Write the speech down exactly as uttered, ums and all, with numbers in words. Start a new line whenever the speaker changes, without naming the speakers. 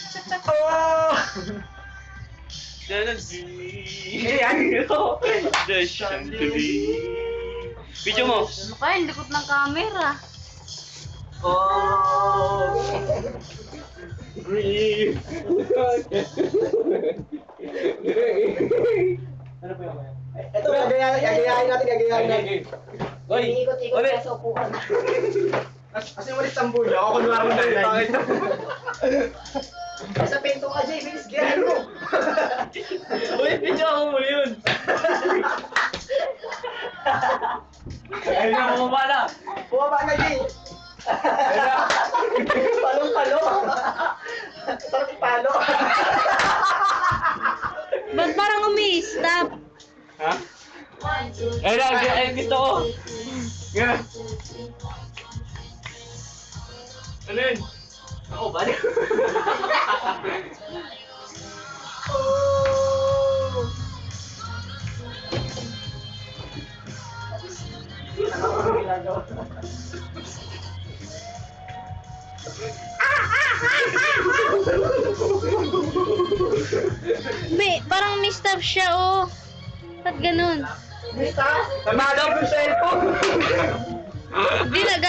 Oh!
Eh, ano?
The chandelier. Video mo.
Ano kaya, ang likot ng camera.
Oh!
Breathe.
Ano po yung
Ito, gagayahin gagayahin natin, gagayahin natin.
Hoy!
Ikot-ikot
Ulit!
ka sa upuan. Kasi ulit sambu niya, ako kunwari na yun. Bakit? Sa pinto ka, Jay, bilis, gayahin mo.
Uy, video ako mo yun! Ayun na, bumaba na!
Bumaba na, Jay. Palong-palo. Sarap palo.
Ba't parang umi-stop?
Ha? Ayun na, ayun gusto ko! Nga! Ano yun? Ako, balik!
Oh!
May, parang may stop siya, oh. Ba't ganun?
Basta, namalag yung cellphone.
Hindi, nag